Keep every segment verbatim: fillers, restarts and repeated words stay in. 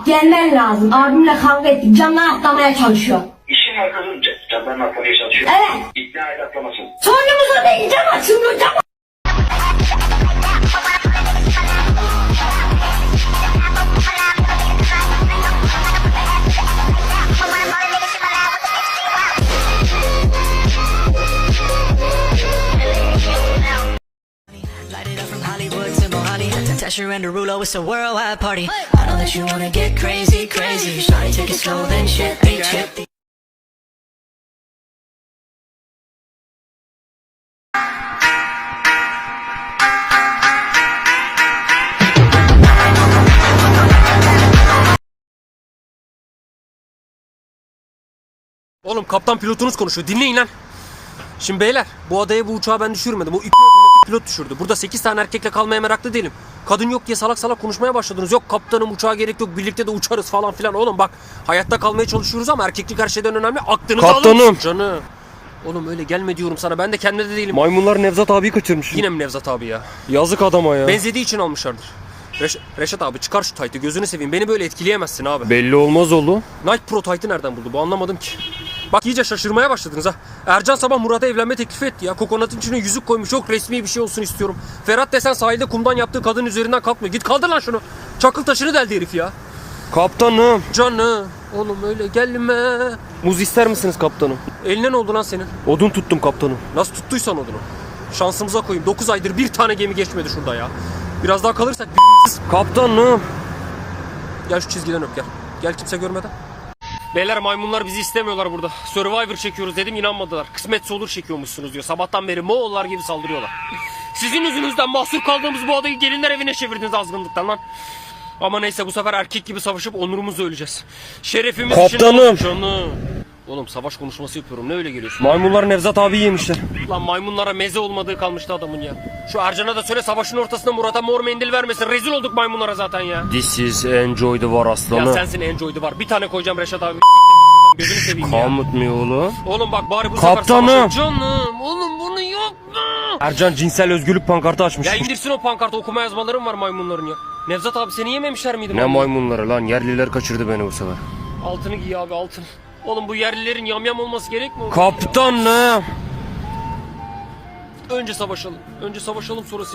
Gelmen lazım. Abimle kavga ettik. Camdan atlamaya çalışıyor. İşin arkasınca camdan atlamaya çalışıyor. Evet. İkna et atlamasın. Sonumuza değil, cam açılıyor, cam. Tasher and Derulo, it's a worldwide party. I know that you wanna get crazy, crazy. Shawty, take it slow, then shit, beat chip. Oğlum kaptan pilotunuz konuşuyor. Dinleyin lan. Şimdi beyler, bu adaya bu uçağı ben düşürmedim. O ipli otomatik pilot düşürdü. Burada sekiz tane erkekle kalmaya meraklı değilim. Kadın yok diye salak salak konuşmaya başladınız. Yok kaptanım, uçağa gerek yok, birlikte de uçarız falan filan. Oğlum bak, hayatta kalmaya çalışıyoruz ama erkeklik her şeyden önemli. Aklınızı alın. Kaptanım. Canım. Oğlum öyle gelme diyorum sana. Ben de kendime de değilim. Maymunlar Nevzat abiyi kaçırmış. Yine mi Nevzat abi ya? Yazık adama ya. Benzediği için almışlardır. Reş Reşat abi çıkar şu taytı, gözünü seveyim. Beni böyle etkileyemezsin abi. Belli olmaz oldu. Nike Pro taytı nereden buldu bu, anlamadım ki. Bak iyice şaşırmaya başladınız ha. Ercan sabah Murat'a evlenme teklifi etti ya. Kokonatın içine yüzük koymuş. Çok resmi bir şey olsun istiyorum. Ferhat desen sahilde kumdan yaptığı kadın üzerinden kalkmıyor. Git kaldır lan şunu. Çakıl taşını deldi herif ya. Kaptanım. Canım. Oğlum öyle gelme. Muz ister misiniz kaptanım? Eline ne oldu lan senin? Odun tuttum kaptanım. Nasıl tuttuysan odunu. Şansımıza koyayım. dokuz aydır bir tane gemi geçmedi şurada ya. Biraz daha kalırsak b***siz. Kaptanım. Gel şu çizgiden öp gel. Gel kimse görmeden. Beyler, maymunlar bizi istemiyorlar burada. Survivor çekiyoruz dedim, inanmadılar. Kısmetse olur çekiyormuşsunuz diyor. Sabahtan beri Moğollar gibi saldırıyorlar. Sizin yüzünüzden mahsur kaldığımız bu adayı gelinler evine çevirdiniz azgınlıktan lan. Ama neyse, bu sefer erkek gibi savaşıp onurumuzla öleceğiz. Şerefimiz Kaptanım. için canım. Oğlum savaş konuşması yapıyorum, ne öyle geliyorsun? Maymunlar Nevzat abi yemişler. Lan maymunlara meze olmadığı kalmıştı adamın ya. Şu Ercan'a da söyle, savaşın ortasında Murat'a mor mendil vermesin. Rezil olduk maymunlara zaten ya. This is Enjoy the War aslanı. Ya sensin Enjoy'du var. Bir tane koyacağım Reşat abi. Gözünü seveyim ya. Kamut mu oğlum? Oğlum bak bari bu Kaptanım. sefer savaşın. Canım oğlum bunu yapma. Ercan cinsel özgürlük pankartı açmış. Ya indirsin o pankartı, okuma yazmalarım var maymunların ya. Nevzat abi seni yememişler miydi? Ne maymunları lan, yerliler kaçırdı beni bu sefer. Altını giy abi, altın. Oğlum bu yerlilerin yamyam olması gerekmiyor mu? Kaptanım. Önce savaşalım. Önce savaşalım sonra.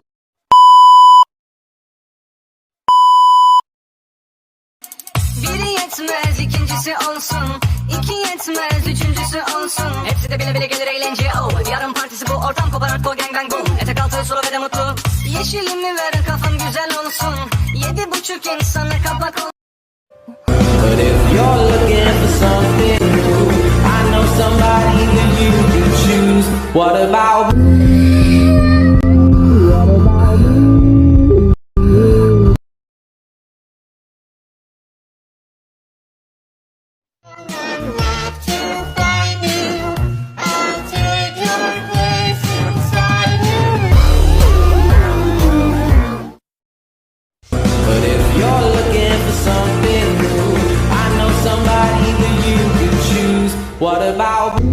Biri yetmez ikincisi olsun, iki yetmez üçüncüsü olsun. Hepsi de bile bile gelir eğlence. Oh, yarın partisi bu, ortam kopar hardcore gang bang boom. Etek altı sulu ve de mutlu. Yeşilimi ver, kafan güzel olsun. Yedi buçuk insana kapak ol. But if you're looking for something new, I know somebody that you can choose. What about But if you're looking for something new, I know somebody that you can choose. What about